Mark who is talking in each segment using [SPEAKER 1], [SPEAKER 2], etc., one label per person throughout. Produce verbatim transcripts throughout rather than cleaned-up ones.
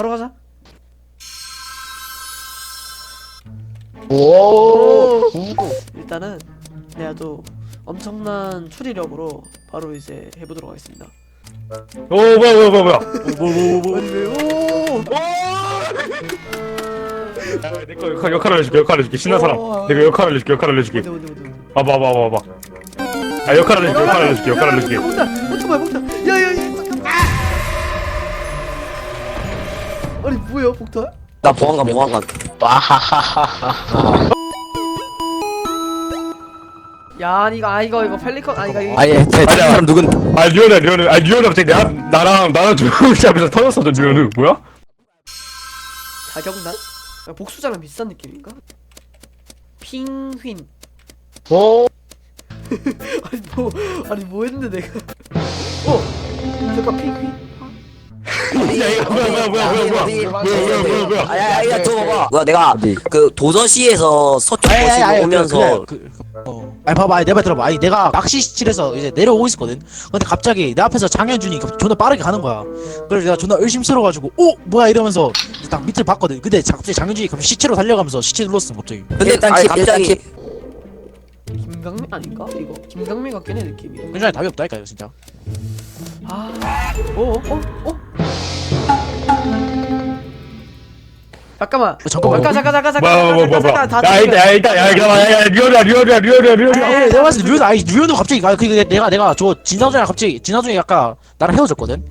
[SPEAKER 1] 바로 가자.
[SPEAKER 2] 오.
[SPEAKER 1] 일단은 내가 또 엄청난 추리력으로 바로 이제 해보도록 하겠습니다.
[SPEAKER 3] 오 뭐야 뭐야 뭐야 뭐야.
[SPEAKER 1] 뭐뭐뭐 아니 왜? 오.
[SPEAKER 3] 내거 역할 역할 알려줄게 역할 알려줄게 신난 사람.
[SPEAKER 1] 오.
[SPEAKER 3] 내가 역할 알려줄게 역할 알려줄게.
[SPEAKER 1] 어디 어디 어디.
[SPEAKER 3] 봐봐 봐봐 봐봐. 아 역할 알려줄게 역할 알려줄게 역할 알려줄게.
[SPEAKER 1] 폭탄 폭탄 뭐야 폭탄. 야야야. 아니 뭐야 폭탄?
[SPEAKER 2] 나 보안관 보안관. 와하하하하.
[SPEAKER 1] 야 이거 아 이거 이거 펠리컨 아 이거 이거.
[SPEAKER 2] 아니 제 사람 누군?
[SPEAKER 3] 아 리오나 리오나 아 리오나 갑자기 나 나랑 나랑 조용히 앞에서 터졌어 저 리오는 뭐야?
[SPEAKER 1] 자격난? 야, 복수자랑 비슷한 느낌인가? 핑휘인.
[SPEAKER 2] 오.
[SPEAKER 1] 아니 뭐 아니 뭐 했는데 내가. 어 잠깐 핑휘인.
[SPEAKER 3] 야 이거 뭐야 뭐야 뭐야 뭐야 뭐야 뭐야 뭐야 뭐야.
[SPEAKER 2] 아야야 저거 봐봐. 뭐야 내가 그 도서시에서 서쪽 보시고 오면서.
[SPEAKER 4] 그, 그, 어. 아니 봐봐, 아니, 내 말 들어봐. 아니 내가 낚시실에서 이제 내려오고 있었거든. 근데 갑자기 내 앞에서 장현준이 갑자기 존나 빠르게 가는 거야. 그래서 내가 존나 의심스러워가지고 어? 뭐야 이러면서 딱 밑을 봤거든. 근데 자- 갑자기 장현준이 갑자기 시체로 달려가면서 시체 눌렀어 갑자기.
[SPEAKER 2] 근데 아니 갑자기
[SPEAKER 1] 김강민 아닌가? 이거 김강민 같긴 해 느낌이.
[SPEAKER 4] 현준이 답이 없다니까 이거 진짜.
[SPEAKER 1] 아, 어, 어, 어? 잠깐만.
[SPEAKER 4] 어, 잠깐만.
[SPEAKER 1] 잠깐, 잠깐, 잠깐,
[SPEAKER 3] 뭐야
[SPEAKER 1] 잠깐,
[SPEAKER 3] 뭐야 뭐야
[SPEAKER 1] 잠깐,
[SPEAKER 3] 뭐야.
[SPEAKER 1] 잠깐, 다
[SPEAKER 3] 야 일단 야 일단 야 일단 야 리오나 리오나 리오나 리오나.
[SPEAKER 4] 아, 내가 봤을 때 류현 아니 류현도 갑자기 아 그게 내가 내가 저 진사준이랑 갑자기 진사준이 아까 나랑 헤어졌거든.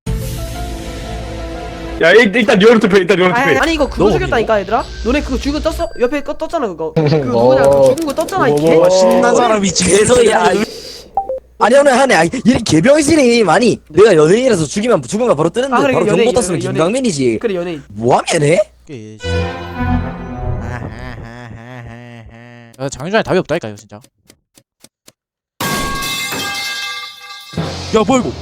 [SPEAKER 3] 야 일- 일단 리오나 투표 일단 리오나
[SPEAKER 1] 아니,
[SPEAKER 3] 투표.
[SPEAKER 1] 아니 이거 그거
[SPEAKER 4] 너
[SPEAKER 1] 죽였다니까 얘들아? 너네 그거 죽은 떴어? 옆에 거 떴잖아 그거. 그 뭐냐 그 죽은 거 떴잖아 이 개.
[SPEAKER 4] 와 신난 사람이 지금.
[SPEAKER 2] 개소리야. 아니 오늘 하네. 아니 이 개병신이 많이 내가 연예인이라서 죽이면 죽으면 바로 뜨는데
[SPEAKER 1] 아, 그래,
[SPEAKER 2] 바로
[SPEAKER 1] 연예인,
[SPEAKER 2] 경고 떴으면
[SPEAKER 1] 연예인.
[SPEAKER 2] 김강민이지.
[SPEAKER 1] 그래 연예인.
[SPEAKER 2] 뭐하면 해?
[SPEAKER 4] 야, 장윤준이 답이 없다니까 이거 진짜. 야 뭐야 이거?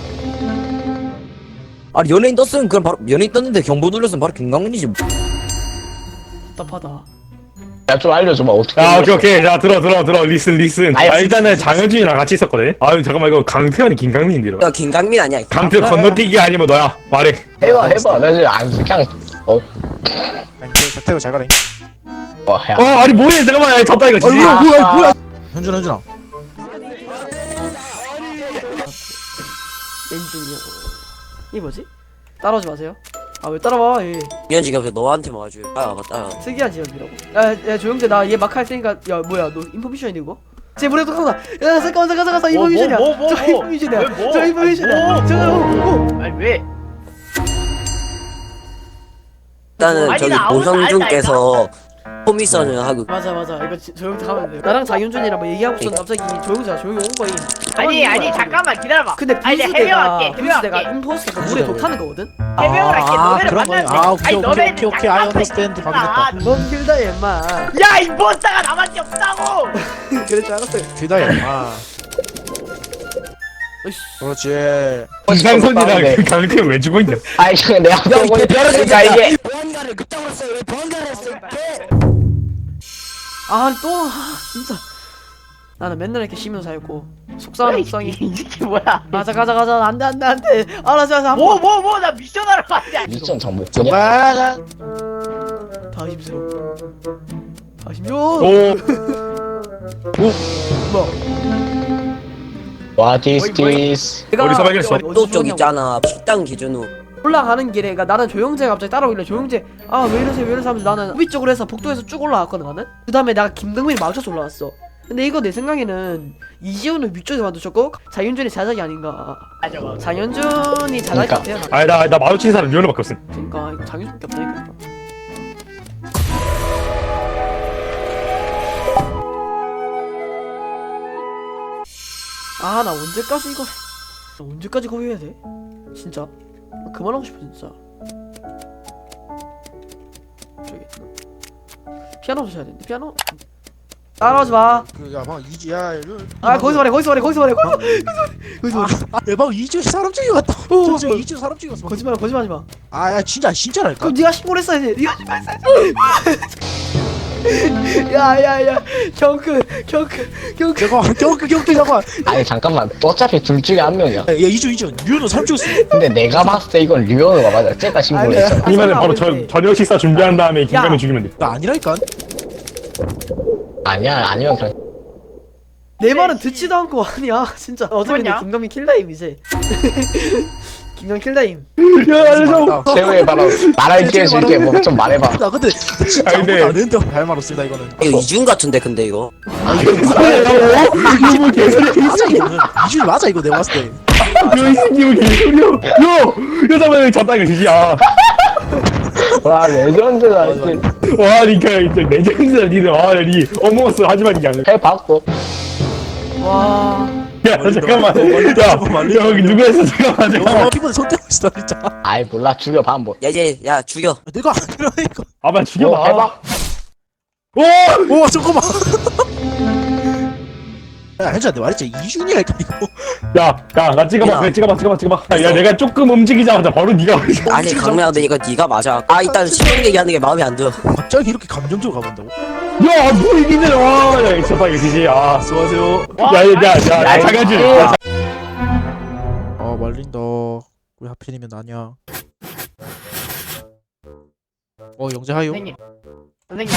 [SPEAKER 2] 아니 연예인 떴으면 그럼 바로 연예인 떴는데 경보 눌렀으면 바로 김강민이지.
[SPEAKER 1] 답답하다.
[SPEAKER 5] 야 좀 알려줘봐 어떻게.
[SPEAKER 3] 야 오케이 오케이 자 들어 들어 들어 리슨 리슨.
[SPEAKER 5] 아이,
[SPEAKER 3] 아 일단은 장현준이랑 같이 있었거든. 아 잠깐만 이거 강태현이 김강민인데 이러.
[SPEAKER 2] 야 김강민 아니야.
[SPEAKER 3] 강태현 건너뛰기 아니면 너야 말해.
[SPEAKER 5] 해봐 해봐 나 지금 안 그냥 어.
[SPEAKER 4] 태고 잘 가라.
[SPEAKER 5] 어 야.
[SPEAKER 3] 어 아니 뭐해 잠깐만 야 졌다 이거
[SPEAKER 4] 아
[SPEAKER 3] 진짜.
[SPEAKER 4] 뭐야 뭐야 뭐야? 현준 현준아.
[SPEAKER 1] 엔지니어. 이 뭐지? 따라오지 마세요. 아 왜 따라와? 얘
[SPEAKER 2] 연지가 왜 너한테만 와줘. 아 맞다.
[SPEAKER 1] 특이한 지역이라고. 야, 야 조용재 나 얘 막 할 테니까 야 뭐야 너 인포미션이 이거? 제 물에 독한다. 야 잠깐만 잠깐 잠깐 인포미션이야.
[SPEAKER 6] 뭐, 뭐, 뭐,
[SPEAKER 1] 저
[SPEAKER 6] 뭐?
[SPEAKER 1] 인포미션이야.
[SPEAKER 6] 왜 뭐?
[SPEAKER 1] 저 인포미션이야.
[SPEAKER 6] 아니, 뭐?
[SPEAKER 1] 저거 뭐?
[SPEAKER 6] 아니 왜?
[SPEAKER 2] 일단은
[SPEAKER 6] 아니,
[SPEAKER 2] 저기
[SPEAKER 6] 나 아무것도
[SPEAKER 2] 노성준께서 포미션을 하고
[SPEAKER 1] 맞아 맞아 이거 지- 조용재 하면 돼. 나랑 장윤준이랑 뭐 얘기하고 있었는데 갑자기 조용재가 조용히 온 거임.
[SPEAKER 6] 아니
[SPEAKER 1] 가만히
[SPEAKER 6] 아니
[SPEAKER 1] 있는 거야.
[SPEAKER 6] 잠깐만 기다려봐.
[SPEAKER 1] 근데
[SPEAKER 6] 아니 내가
[SPEAKER 1] 분수대가
[SPEAKER 6] 해명할게.
[SPEAKER 1] 분수대가
[SPEAKER 6] 해명할게.
[SPEAKER 1] 임포스터가 물에 독타는 거거든?
[SPEAKER 6] 해명을 할게.
[SPEAKER 4] 아,
[SPEAKER 6] 너네를
[SPEAKER 4] 그런 거야.
[SPEAKER 6] 만났는데.
[SPEAKER 4] 아, 오케이,
[SPEAKER 6] 아니,
[SPEAKER 4] 오케이,
[SPEAKER 6] 너네는
[SPEAKER 4] 오케이, 오케이.
[SPEAKER 6] 잠깐만
[SPEAKER 4] I understand.
[SPEAKER 6] 있구나.
[SPEAKER 4] 확인했다.
[SPEAKER 1] 넌 길다 얘마.
[SPEAKER 6] 야 임포스터가 나밖에 없다고.
[SPEAKER 1] 그럴 줄 알았어요.
[SPEAKER 4] 뒤다야. 아.
[SPEAKER 1] 어이씨.
[SPEAKER 4] 그렇지.
[SPEAKER 3] 김상선이랑 그 강태현 왜 죽어 있냐?
[SPEAKER 5] 아이 지금 내가 보고 있으니까 이게.
[SPEAKER 2] 보안관을 그따구로 했어요. 왜 보안관을 했어요?
[SPEAKER 1] 아 또 아, 진짜. 나는 맨날 이렇게 쉬면서였고 속상한 속상이.
[SPEAKER 6] 이 새끼 뭐야?
[SPEAKER 1] 가자 가자 가자 안돼 안돼 안돼. 알았어 알았어.
[SPEAKER 6] 뭐 뭐 뭐 나 미션 하러 갔냐?
[SPEAKER 5] 미션 정보.
[SPEAKER 4] 정말.
[SPEAKER 1] 다 힘들어. 다 힘들어.
[SPEAKER 3] 오
[SPEAKER 1] 뭐?
[SPEAKER 5] What is this?
[SPEAKER 1] 내가
[SPEAKER 3] 어디서 발견했어?
[SPEAKER 1] 어디- 어디서
[SPEAKER 2] 또 쪽
[SPEAKER 1] 죽었냐고.
[SPEAKER 2] 있잖아. 식당 기준으로.
[SPEAKER 1] 올라가는 길에 그러니까 나는 조용재가 갑자기 따라오길래 조용재 아 왜 이러세요 왜 이러세요 하면서 나는 후비 쪽으로 해서 복도에서 쭉 올라갔거든 나는. 그 다음에 내가 김등민이 마주쳐서 올라왔어. 근데 이거 내 생각에는 이지훈을 위쪽에 만두셨고 장윤준이 자작이 아닌가.
[SPEAKER 6] 맞아 맞아.
[SPEAKER 1] 장윤준이 자작이
[SPEAKER 5] 그러니까.
[SPEAKER 1] 같아요.
[SPEAKER 3] 아니 나 나 마주친 사람 리오나밖에 없음.
[SPEAKER 1] 그러니까 이거 장윤준밖에 없다니까. 아 나 언제까지 이거 나 언제까지 거기 해야 돼? 진짜 나 그만하고 싶어 진짜. 저기 피아노 쳐야 되는데 피아노 따라오지 마.
[SPEAKER 4] 그야 방 이지야.
[SPEAKER 1] 아 거기서 말해 거기서 말해 거기서 말해 거기서 거기서 거기서
[SPEAKER 4] 아, 대박 이주 사람 찍었다.
[SPEAKER 1] 어,
[SPEAKER 4] 저
[SPEAKER 1] 뭐.
[SPEAKER 4] 이주 사람 찍었어.
[SPEAKER 1] 거짓말 거짓말하지 마.
[SPEAKER 4] 아, 야 진짜 진짜랄까.
[SPEAKER 1] 그럼 네가 신고를 했어야지. 네가 신고를 했어야지. 야야야 경크 경크 경크
[SPEAKER 4] 잠깐만 경크 경크 잠깐만.
[SPEAKER 5] 아니 잠깐만 어차피 둘 중에 한 명이야.
[SPEAKER 4] 야 이준 이준 류현우 사람 죽였어.
[SPEAKER 5] 근데 내가 봤을 때 이건 류현우가 맞아. 쟤가 신고를
[SPEAKER 1] 아니,
[SPEAKER 5] 했잖아.
[SPEAKER 3] 아니면 바로 저, 저녁 식사 준비한 다음에 김가면
[SPEAKER 1] 야.
[SPEAKER 3] 죽이면 돼.
[SPEAKER 4] 나 아니라니까.
[SPEAKER 5] 아니야 아니면 그냥
[SPEAKER 1] 내 말은 듣지도 않고 아니야 진짜 어차피 내
[SPEAKER 6] 뭐냐?
[SPEAKER 1] 김동민 킬다임 이제 김동민 킬다임
[SPEAKER 3] 야 알려줘.
[SPEAKER 5] 최후의 바로 말할 기회 줄게. 뭐 좀 말해봐.
[SPEAKER 4] 나 근데 진짜
[SPEAKER 3] 아니, 근데-
[SPEAKER 4] 아무도 안 했는데 할 말 없습니다 이거는.
[SPEAKER 2] 이거 이준 같은데 근데 이거
[SPEAKER 3] 이거 뭐 개소리야.
[SPEAKER 4] 맞아 이거는 이준 맞아 이거 내가 봤을 때.
[SPEAKER 3] 이 새끼 뭐 개소리야. 요! 여자분이 졌다 이거 지지야.
[SPEAKER 5] 와 레전드다.
[SPEAKER 4] 맞아,
[SPEAKER 5] 이제
[SPEAKER 3] 와 니까 이제 레전드다 니들. 와니 어머스 하지만 이게 아니야.
[SPEAKER 5] 해봤고.
[SPEAKER 1] 와
[SPEAKER 3] 야 잠깐만. 야 여기 누구 했어? 잠깐만
[SPEAKER 4] 어
[SPEAKER 3] 잠깐만.
[SPEAKER 4] 피부에 손 떼고 있어 진짜.
[SPEAKER 5] 아이 몰라 죽여봐 한번.
[SPEAKER 2] 야 이제 야 죽여
[SPEAKER 4] 내가 아니라니까.
[SPEAKER 3] 아빠
[SPEAKER 5] 뭐
[SPEAKER 3] 죽여봐.
[SPEAKER 5] 해봐.
[SPEAKER 3] 오!
[SPEAKER 4] 오 잠깐만. 야 현주야 내가 말했지 이준이랄까 이거.
[SPEAKER 3] 야, 야, 나 찍어봐,
[SPEAKER 2] 야.
[SPEAKER 3] 그래, 찍어봐, 찍어봐, 찍어봐. 야, 내가 조금 움직이자마자 바로 네가 와있어.
[SPEAKER 2] 아니 강민아 근데 이거 네가 맞아 아 일단 시동 얘기하는 게 마음에 안 들어
[SPEAKER 4] 갑자기 이렇게 감정적으로 가본다고?
[SPEAKER 3] 야, 뭐 이기네, 와, 야, 이거 봐, 이거 지지, 아.
[SPEAKER 4] 수고하세요.
[SPEAKER 3] 야, 야, 야, 야, 야, 장현준. 야,
[SPEAKER 4] 아 말린다. 왜 하필이면 나냐? 어 영재 하요.
[SPEAKER 6] 선생님 선생님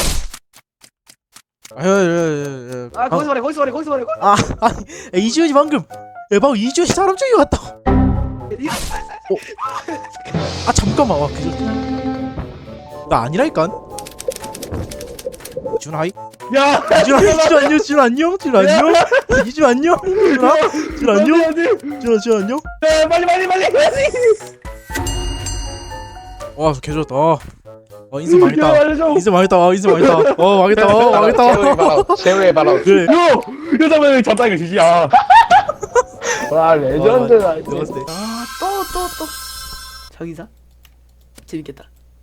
[SPEAKER 4] 아예예예.
[SPEAKER 1] 아 거기서 말해 거기서 말해 거기서 말해 거기서
[SPEAKER 4] 아 아니 야, 이지훈이 방금 야 방금 이지훈이 사람 죽여 갔다. 어. 아 잠깐만 와 그저. 나 아니라니까. 준 하이.
[SPEAKER 3] 야,
[SPEAKER 4] 준 하이 준 안녕 준 안녕 준 안녕 이준 안녕 준아 준 안녕 준아 준 안녕.
[SPEAKER 3] 야, 빨리, 빨리, 빨리.
[SPEAKER 4] 와 개좋았다. 어 인생
[SPEAKER 3] 야,
[SPEAKER 4] 망했다.
[SPEAKER 3] 알려줘.
[SPEAKER 4] 인생 망했다. 어, 인생 망했다. 어 망했다. 어
[SPEAKER 5] 최후의
[SPEAKER 4] 망했다.
[SPEAKER 5] 바로. 최후의 바로.
[SPEAKER 4] 그래.
[SPEAKER 3] 요! 여자분이 졌다, 이거 지지, 아.
[SPEAKER 5] 와 레전드다.
[SPEAKER 4] 내가 봤을 때.
[SPEAKER 1] 아또 또 또 자기사 재밌겠다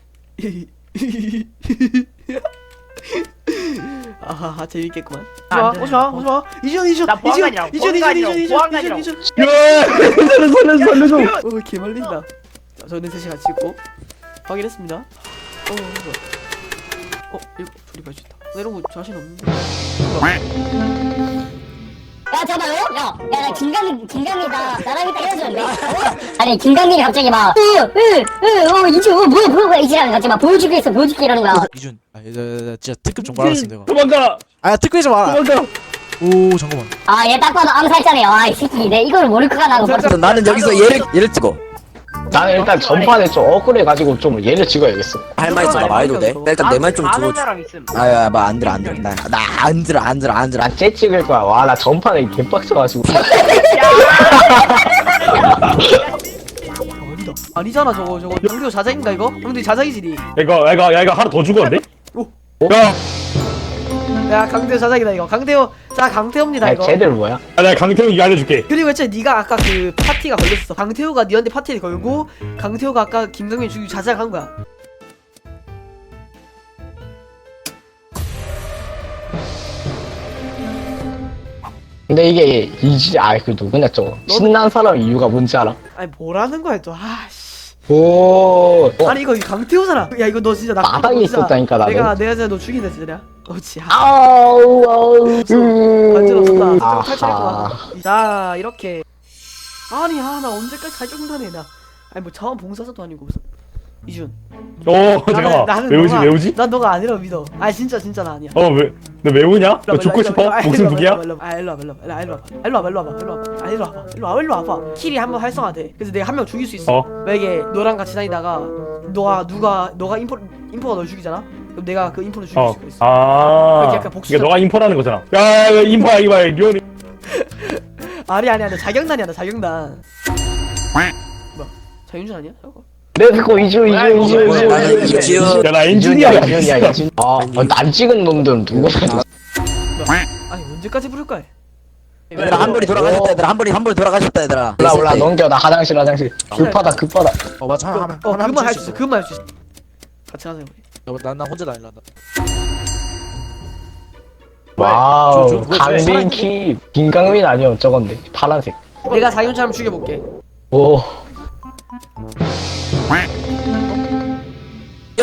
[SPEAKER 1] 아하하 재밌겠구만
[SPEAKER 6] 안
[SPEAKER 1] 오지마
[SPEAKER 6] 돼.
[SPEAKER 1] 오지마 오지마 이준 이준
[SPEAKER 6] 나
[SPEAKER 1] 이준
[SPEAKER 6] 보안관이라고,
[SPEAKER 1] 이준 이준
[SPEAKER 6] 보안관이라고,
[SPEAKER 1] 이준 이준
[SPEAKER 6] 보안관이라고.
[SPEAKER 1] 이준
[SPEAKER 3] 야, 살려, 살려, 살려줘.
[SPEAKER 1] 오 개말린다 자 저는 셋이 같이 있고 확인했습니다 어 뭐야 어 이거 조립할 수 있다 나 이런 거 자신 없는데
[SPEAKER 7] 야 잠깐만 어? 야, 야, 나 김강민, 김강민이다. 나랑 이따 헤어졌는데? 어? 아니, 김강민이 갑자기 막, 으, 으, 으, 어, 이제, 어, 뭐야, 뭐야, 뭐야, 이지랑 갑자기 막 보여줄게 있어, 보여줄게 이러는 거야.
[SPEAKER 4] 이준. 아, 야, 야, 야, 진짜 특급 좀 말았어 내가.
[SPEAKER 3] 도망가,
[SPEAKER 4] 아, 특급이 좀 알아.
[SPEAKER 3] 도망가.
[SPEAKER 4] 오, 잠깐만.
[SPEAKER 7] 아, 얘 딱 봐도 암살자네요. 아, 이 새끼, 내 이걸 모를 것 같다고.
[SPEAKER 2] 그래서 나는 여기서 얘를 얘를 찍어
[SPEAKER 5] 나는 일단 전판에 좀 억울해가지고 좀 얘를 찍어야겠어.
[SPEAKER 2] 할 말 있어 나 말해도 돼? 나 일단 내 말 좀
[SPEAKER 6] 아는
[SPEAKER 2] 들어줘
[SPEAKER 6] 사람 있음
[SPEAKER 2] 아야 뭐 안 들어 안 들어 나 안 들어 안 들어 안 들어
[SPEAKER 5] 난쟤 찍을 거야. 와 나 전판에 개빡쳐가지고.
[SPEAKER 1] 아니다 아니잖아 저거 저거 형도 자작인가 이거? 형도 자작이지
[SPEAKER 3] 이거, 이거, 야, 이거 하나 더 죽었는데?
[SPEAKER 1] 오.
[SPEAKER 3] 야,
[SPEAKER 1] 야 강태호 자작이다 이거 강태호 자 강태호입니다
[SPEAKER 5] 아니
[SPEAKER 1] 이거
[SPEAKER 5] 쟤들 뭐야?
[SPEAKER 3] 야, 내가 강태형 이거 알려줄게.
[SPEAKER 1] 그리고 애초에 네가 아까 그 파티가 걸렸어 강태호가 니한테 파티를 걸고 강태호가 아까 김동민 죽이고 자작한 거야
[SPEAKER 5] 근데 이게 이지 아이 그 누구냐 저거 신난 사람 이유가 뭔지 알아?
[SPEAKER 1] 아니 뭐라는 거야 또 아씨
[SPEAKER 5] 오. 어,
[SPEAKER 1] 아니 이거 강태호잖아 야 이거 너 진짜 나
[SPEAKER 5] 마당에
[SPEAKER 1] 진짜
[SPEAKER 5] 있었다니까, 나는.
[SPEAKER 1] 내가 내가 진짜 너 죽인다 진짜 내가 어찌 아
[SPEAKER 5] 아우 아우.
[SPEAKER 1] 간지럽다
[SPEAKER 5] 아하.
[SPEAKER 1] 탈출했구나 자 이렇게 아니 아 나 언제까지 자격당해 나 아니 뭐 자원 봉사자도 아니고 무슨 이준
[SPEAKER 3] 어, 잠깐만. 외우지,
[SPEAKER 1] 너가,
[SPEAKER 3] 외우지?
[SPEAKER 1] 난 너가 아니라 믿어 아 진짜 진짜 나 아니야
[SPEAKER 3] 어, 왜, 너 외우냐? 너 죽고 싶어? 목숨 두 개야?
[SPEAKER 1] 아 일로 와봐 일로 와봐 일로 와봐 일로 와봐 일로 와봐 일로 와봐 아 일로 와봐 일로 와봐 일로 와봐 킬이 한 번 활성화돼 그래서 내가 한 명 죽일 수 있어
[SPEAKER 3] 어.
[SPEAKER 1] 만약에 너랑 같이 다니다가 너가 누가 너가 인포 인포가 널 죽이잖아 그럼 내가 그 인포를 죽일
[SPEAKER 3] 어,
[SPEAKER 1] 수가 있어
[SPEAKER 3] 아.
[SPEAKER 1] 그렇게 약간 복수적-
[SPEAKER 3] 그러니까 너가 인포라는 거잖아. 야, 이거 인포야, 이거 봐, 류현이.
[SPEAKER 1] 아니 아니 아니 자경단이야 나 자경단 뭐야 자윤준 아니야 저거
[SPEAKER 5] 렛츠고 이주 이주 이주 이주
[SPEAKER 2] 나는
[SPEAKER 5] 이주
[SPEAKER 2] 이지훈
[SPEAKER 3] 야, 나
[SPEAKER 5] 이준이야
[SPEAKER 3] 엔지니어야.
[SPEAKER 5] 이준이야 이준. 아난 찍은 놈들은 누구야?
[SPEAKER 1] 아니 언제까지 부를 거야
[SPEAKER 2] 얘들아 한 번이 돌아가셨다 얘들아 한 번이 한 번이 돌아가셨다 얘들아
[SPEAKER 5] 올라 올라 넘겨 나 화장실 화장실. 급하다 급하다.
[SPEAKER 4] 어 맞아.
[SPEAKER 1] 어,
[SPEAKER 4] 하면
[SPEAKER 1] 어 그것만 할 수 있어 그것만 할 수 있어 같이 하자 우리
[SPEAKER 4] 난나 혼자 다닐라.
[SPEAKER 5] 와우
[SPEAKER 4] 저- 저 뭐야, 저
[SPEAKER 5] 강민키 김강민 아니요 저건데 파란색.
[SPEAKER 1] 내가 자윤준 한번 죽여볼게
[SPEAKER 5] 오.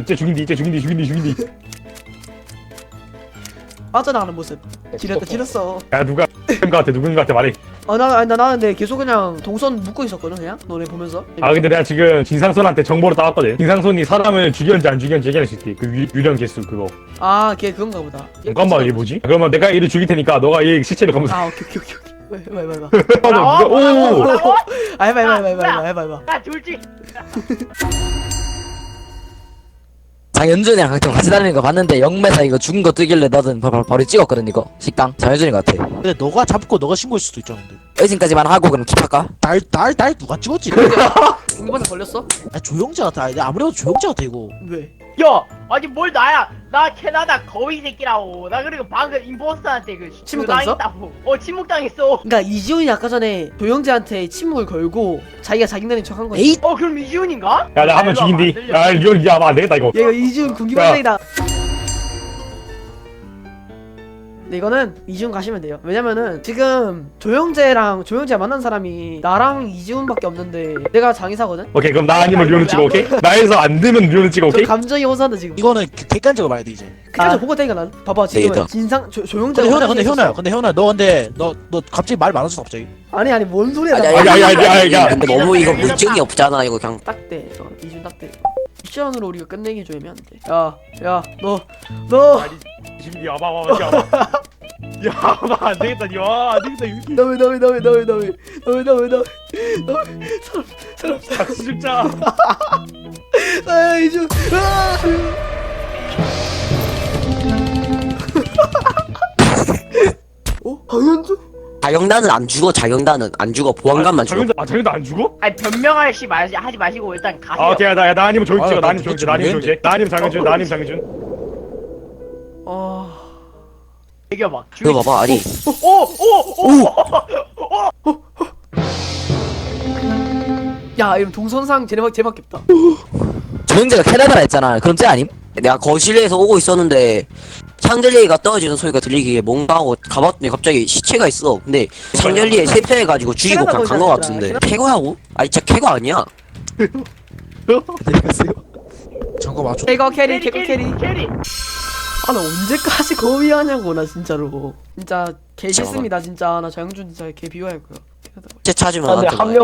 [SPEAKER 3] 죽이면 쟤 죽인디 쟤 죽인디 죽인디 죽인디.
[SPEAKER 1] 빠져나가는 모습. 지렸다 지렸어.
[SPEAKER 3] 야 누가 누군가한테 누군가한테 말해.
[SPEAKER 1] 아 나 아니 나 나는 근데 계속 그냥 동선 묶고 있었거든 그냥 너네 보면서.
[SPEAKER 3] 아 근데 내가 지금 진상손한테 정보를 따왔거든. 진상손이 사람을 죽였는지 안 죽였는지 얘기할 수 있대. 그 유, 유령 개수 그거.
[SPEAKER 1] 아 걔 그건가 보다. 얘
[SPEAKER 3] 잠깐만 얘 뭐지? 그러면 내가 얘를 죽일 테니까 너가 얘 시체를 검사.
[SPEAKER 1] 아 오케이 오케이 오케이 오케이. 해봐 해봐 해봐.
[SPEAKER 6] 뭐라고? 뭐라고?
[SPEAKER 3] 오.
[SPEAKER 6] 뭐라고?
[SPEAKER 1] 아 해봐 해봐 해봐 해봐 해봐 해봐.
[SPEAKER 6] 야 둘째
[SPEAKER 2] 장현준이랑 같이 같이 다니는 거 봤는데 영매사 이거 죽은 거 뜨길래 나도 바로, 바로 찍었거든 이거 식당 장현준이 같아.
[SPEAKER 4] 근데 너가 잡고 너가 신고할 수도 있잖아. 근데
[SPEAKER 2] 의심까지만 하고 그럼 킵할까?
[SPEAKER 4] 날날 날 누가 찍었지?
[SPEAKER 1] 공기반사 걸렸어?
[SPEAKER 4] 아, 조영재 같아. 아니, 아무래도 조영재 같아 이거.
[SPEAKER 1] 왜?
[SPEAKER 6] 야 아니 뭘 나야 나 캐나다 거위 새끼라고 나 그리고 방금 임포스터한테 그
[SPEAKER 1] 침묵당했어?
[SPEAKER 6] 당했다고. 어 침묵당했어.
[SPEAKER 1] 그러니까 이지훈이 아까 전에 조영재한테 침묵을 걸고 자기가 자기네는 척한 거지.
[SPEAKER 4] 에이
[SPEAKER 6] 어 그럼 이지훈인가?
[SPEAKER 3] 야 나 한 번 죽인디. 야 이거 야안 되겠다 이거.
[SPEAKER 1] 얘가 이지훈 군기반장이다. 근데 이거는 이지훈 가시면 돼요. 왜냐면은 지금 조영재랑 조영재 만난 사람이 나랑 이지훈밖에 없는데 내가 장의사거든.
[SPEAKER 3] 오케이 그럼 나 아니면 류는 찍어 오케이? 나에서 안 되면 류는 찍어
[SPEAKER 1] 저
[SPEAKER 3] 오케이?
[SPEAKER 1] 감정이 호소한다 지금.
[SPEAKER 4] 이거는 객- 객관적으로 봐야 돼 이제.
[SPEAKER 1] 그래서
[SPEAKER 2] 아.
[SPEAKER 1] 보고 되니까 난 봐봐 지금
[SPEAKER 2] 되겠다.
[SPEAKER 1] 진상 조, 조영재.
[SPEAKER 4] 근데 현아 근데 현아야 근데 현아 너 근데 너 너 갑자기 말 많아졌어 갑자기.
[SPEAKER 1] 아니 아니 뭔 소리야?
[SPEAKER 2] 아니,
[SPEAKER 1] 나
[SPEAKER 2] 아니,
[SPEAKER 3] 야, 야, 야, 야.
[SPEAKER 2] 근데 너무 이거 물증이 없잖아 이거 그냥.
[SPEAKER 1] 딱대. 어, 이준 딱대. 미션으로 우리가 끝내기 좀 애매한데. 야, 야, 너, 너,
[SPEAKER 3] 지금 야봐 와봐 야봐. 야봐 안 되겠다 야안 되겠다 이거.
[SPEAKER 1] 너 왜, 너 왜, 너 왜, 너 왜, 너 왜, 너 왜, 너 왜, 너 왜, 너 왜, 사람, 사람,
[SPEAKER 3] 같이 죽자.
[SPEAKER 1] 아, 이준, 아. 어, 강현주?
[SPEAKER 2] 자경단은 안 죽어. 자경단은 안 죽어. 보안관만 죽어.
[SPEAKER 3] 장현도 아 장현도 안 죽어?
[SPEAKER 6] 아니 변명할 시 마시 하지 마시고 일단 가세요.
[SPEAKER 3] 아 오케이 나 나 아니면 조용
[SPEAKER 4] 아,
[SPEAKER 3] 찍어. 나
[SPEAKER 4] 나
[SPEAKER 3] 아니면 조용
[SPEAKER 4] 도대체
[SPEAKER 3] 찍어. 나 아니면 조용
[SPEAKER 4] 왜
[SPEAKER 3] 찍어. 나 아니면 장현준. 나 아니면 장현준.
[SPEAKER 1] 아,
[SPEAKER 6] 이겨봐.
[SPEAKER 2] 이거 봐봐 아니.
[SPEAKER 6] 오오오
[SPEAKER 1] 야, 이거 동선상 쟤네밖 쟤밖에 없다.
[SPEAKER 2] 조영재가 캐나다라 했잖아. 그럼 쟤 아님? 내가 거실에서 오고 있었는데 샹들리에가 떨어지는 소리가 들리기에 뭔가 하고 가봤더니 갑자기 시체가 있어. 근데 샹들리에 실패해가지고 죽이고
[SPEAKER 1] 캐나다
[SPEAKER 2] 그냥 간 거
[SPEAKER 1] 거잖아,
[SPEAKER 2] 같은데.
[SPEAKER 1] 캐나다.
[SPEAKER 2] 캐거하고? 아니 진짜 캐거 아니야.
[SPEAKER 4] 잠깐 맞춰.
[SPEAKER 1] 캐거 캐리, 캐거 캐리.
[SPEAKER 6] 캐리.
[SPEAKER 1] 아, 나 언제까지 거위 하냐고 나 진짜로. 진짜 개 싫습니다 진짜. 나 장현준 진짜 개 비호할 거야. 캐나다.
[SPEAKER 2] 쟤 찾으면
[SPEAKER 5] 근데
[SPEAKER 2] 나한테
[SPEAKER 5] 한
[SPEAKER 2] 말해.
[SPEAKER 5] 명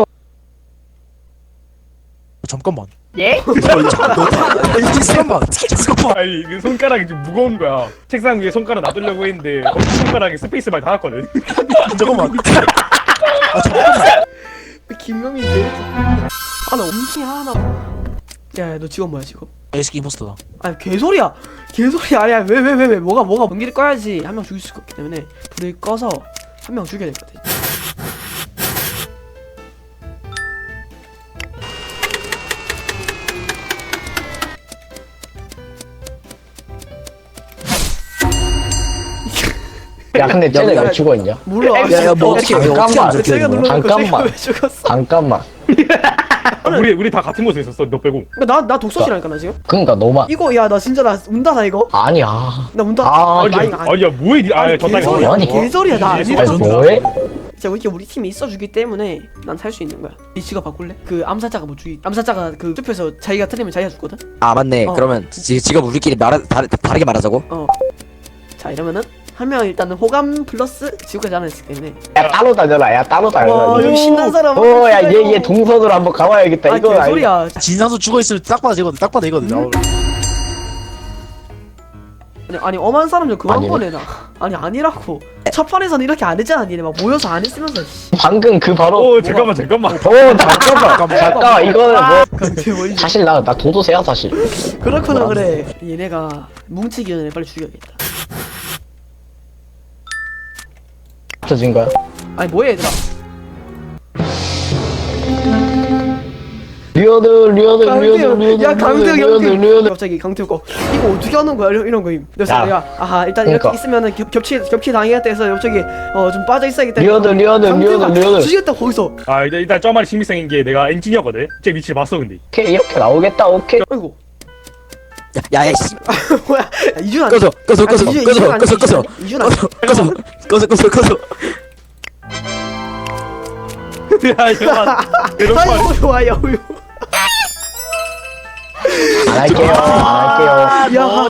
[SPEAKER 4] 잠깐만.
[SPEAKER 6] 예?
[SPEAKER 4] 잠깐만. 잠깐만.
[SPEAKER 3] 아니 그 손가락이 좀 무거운 거야. 책상 위에 손가락 놔두려고 했는데 엄지 손가락에 스페이스바를 닿았거든.
[SPEAKER 4] 잠깐만. 아 잠깐만.
[SPEAKER 1] 김명민 개. 아, 나 엄청 하나. 야, 야, 너 직업 뭐야 직업?
[SPEAKER 4] 에스키 임포스터다.
[SPEAKER 1] 아니 개소리야 개소리야. 아니야 왜 왜 왜 왜 뭐가 뭐가 전기를 꺼야지 한 명 죽일 수 있기 때문에 불을 꺼서 한 명 죽여야 될 것 같아.
[SPEAKER 5] 야 근데 쟤네 왜 죽어있냐?
[SPEAKER 1] 몰라.
[SPEAKER 2] 야야 뭐 어떻게 왜 어떻게
[SPEAKER 5] 잠깐만.
[SPEAKER 2] 안
[SPEAKER 1] 제가
[SPEAKER 2] 죽여?
[SPEAKER 1] 눌러놓고
[SPEAKER 5] 잠깐만.
[SPEAKER 1] 제가 왜 죽었어?
[SPEAKER 5] 잠깐만
[SPEAKER 3] 우리 우리 다 같은 곳에 있었어. 너 빼고.
[SPEAKER 1] 나 나 독서실이라니까 나 지금.
[SPEAKER 5] 그러니까 너만
[SPEAKER 1] 이거 야 나 진짜 나 운다 나 이거.
[SPEAKER 5] 아니야.
[SPEAKER 1] 나 운다.
[SPEAKER 5] 아,
[SPEAKER 3] 아니,
[SPEAKER 1] 아니,
[SPEAKER 3] 아니, 야 뭐해? 니- 아,
[SPEAKER 1] 아니,
[SPEAKER 3] 저 땅에
[SPEAKER 1] 개소리야.
[SPEAKER 5] 아니,
[SPEAKER 1] 개소리야 나 아니야.
[SPEAKER 5] 아니 뭐해?
[SPEAKER 1] 진짜 이렇게 우리 팀이 있어주기 때문에 난 살 수 있는 거야. 이 직업 바꿀래? 그 암살자가 뭐 죽이 암살자가 그 숲에서 자기가 틀리면 자기가 죽거든.
[SPEAKER 2] 아 맞네.
[SPEAKER 1] 어.
[SPEAKER 2] 그러면 지, 직업 우리끼리 말하, 다르, 다르게 말하자고.
[SPEAKER 1] 어. 자 이러면은 한 명 일단은 호감 플러스 지구까지 하나 있기 때문에.
[SPEAKER 5] 야 따로 다녀라. 야 따로
[SPEAKER 1] 와
[SPEAKER 5] 다녀라.
[SPEAKER 1] 여기 신난 사람.
[SPEAKER 5] 어야얘 얘 동선으로 한번 가봐야겠다.
[SPEAKER 1] 아
[SPEAKER 5] 이거 아니-
[SPEAKER 1] 개소리야.
[SPEAKER 4] 진상수 죽어있으면 딱 봐도 되거든 딱 봐도 되거든
[SPEAKER 1] 음? 아니, 아니 엄한 사람 좀 그만
[SPEAKER 5] 아니네.
[SPEAKER 1] 보내라. 아니 아니라고. 첫 판에서는 이렇게 안 했잖아 니네 막 모여서 안 했으면서. 씨.
[SPEAKER 5] 방금 그 바로.
[SPEAKER 3] 어 잠깐만 잠깐만.
[SPEAKER 5] 어 잠깐만 잠깐만 이거는 뭐
[SPEAKER 1] 강태 뭐 이제.
[SPEAKER 5] 사실 나 나 도도새야 사실.
[SPEAKER 1] 그렇구나 그래. 얘네가 뭉치기 전에 빨리 죽여야겠다.
[SPEAKER 5] 터진 거야?
[SPEAKER 1] 아니 뭐해 얘들아.
[SPEAKER 5] 리어드 리어드 리어드
[SPEAKER 1] 강태형.
[SPEAKER 5] 리어드
[SPEAKER 1] 야 강태형
[SPEAKER 5] 리어드
[SPEAKER 1] 형태.
[SPEAKER 5] 리어드.
[SPEAKER 1] 갑자기 강태형 거 이거 어떻게 하는 거야 이런, 이런 거임. 그래서
[SPEAKER 5] 야.
[SPEAKER 1] 내가 아하 일단
[SPEAKER 5] 그러니까.
[SPEAKER 1] 이렇게 있으면은 겹, 겹치 겹치 당해야겠다 해서 갑자기 어 좀 빠져 있어야겠다.
[SPEAKER 5] 리어드 리어드 리어드 리어드.
[SPEAKER 1] 죽였다 거기서.
[SPEAKER 3] 아 일단 일단 저 말이 신빙성인 게 내가 엔지니어거든. 제 위치를 봤어 근데.
[SPEAKER 5] 오케이 이렇게 나오겠다 오케이.
[SPEAKER 1] 아이고
[SPEAKER 2] 야야 씨.
[SPEAKER 1] 뭐야 야, 이준 아니.
[SPEAKER 2] 꺼져 꺼져 꺼져
[SPEAKER 1] 아니, 이준-
[SPEAKER 2] 꺼져
[SPEAKER 1] 이준 아니,
[SPEAKER 2] 꺼져 꺼져
[SPEAKER 1] 이준 아니.
[SPEAKER 2] 꺼져 꺼져 꺼져 꺼져.
[SPEAKER 3] 야 이거.
[SPEAKER 1] 아이고 좋아요.
[SPEAKER 5] 안 할게요 안 할게요.
[SPEAKER 1] 야